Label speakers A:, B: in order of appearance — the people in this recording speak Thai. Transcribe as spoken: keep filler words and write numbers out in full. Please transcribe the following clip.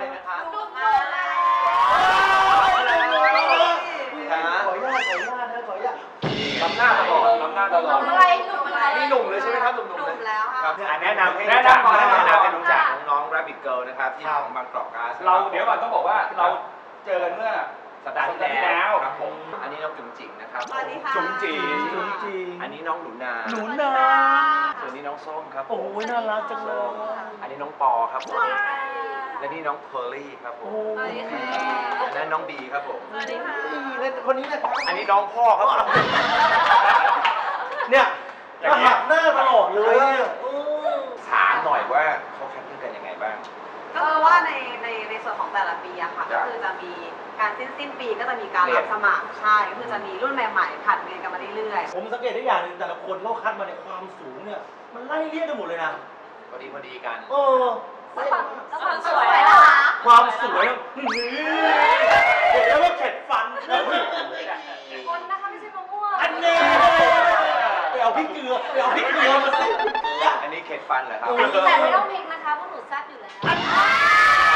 A: อะไรนะคะ
B: หนุ่มมา
A: ขออนุญาตขออนุญาตนะขออนุญาต
C: ล้ำหน้าตลอดล้ำหน้าตลอด
B: อะไรหนุ่มอะไร
A: นี่หนุ่มเลยใช่ไหมครับหนุ่ม
B: ห
A: ๆ
B: นุ่
A: เล
B: ม
A: ย
B: แล้ว
A: ค
B: ค
A: รั
B: รั
A: บบ แนะนำให้แนะนำก่อนแนะนำให้รู้จักน้องๆ Rabbit Girl นะครับที่ของบางกอกก๊าซ
C: เราเดี๋ยวก่อนต้องบอกว่าเราเจอกันเมื่อสัปดาห์ที่แล้ว
A: ครับผมอันนี้น้องจุ๋มจิ๋งนะครับ
B: สวัสดีค่ะ
C: จุ๋มจี
A: จุ๋มจิ๋งอันนี้น้องหนูนา
D: หนูนา
A: ส่วนนี้น้องส้มครับ
D: โอ้ยน่ารักจังเลย
A: อันนี้น้องปอครับผม
B: สวัสดีค่ะ
A: และนี่น้องเพอร์ลี่ครับผม
B: สวัสดีค่ะ
A: อันนั้นน้องบีครับผม
B: สวัสดีค่ะ
A: และคนนี้นะครับอันนี้น้องพ่อครับผม
D: เนี่ยก็หักหน้าตลอดเลยเนี่ย
A: ถามหน่อยว่าเขาคัดเลือกกันยังไงบ้าง
B: ก็คือว่าในในในส่วนของแต่ละปีอะค่ะ
A: จ้ะ
B: ก็คือจะมีการสิ้นสิ้นปีก็จะมีการ
A: เรีย
B: รั
A: น
B: บสมัครใช่ก็คือจะมีรุ่นใหม่ๆผัดเรียนกันมาเรื่อย
D: ผมสังเกตได้อย่างหนึ่งแต่ละคนเขาคัดมาในความสูงเนี่ย มันไล่เรียกกันหมดเลยนะ
A: พอดีพอดีกัน
D: เออ
B: ๆแล้วความแล้วความสวยนะคะ
D: ความสวยเนี่ยอื้อหือเห็นแล้วว่าเข็ดฟัน
B: คนนะคะไม่ใช่มะม่วง
D: อันนี้ไปเอาพริกเกลือไปเอาพริกเกลือมาสิ
A: อันนี้เข็ดฟันเหรอครับ
B: แต่ไม่ต้องพริกนะคะพวกหนูแซ่บอยู่แล้ว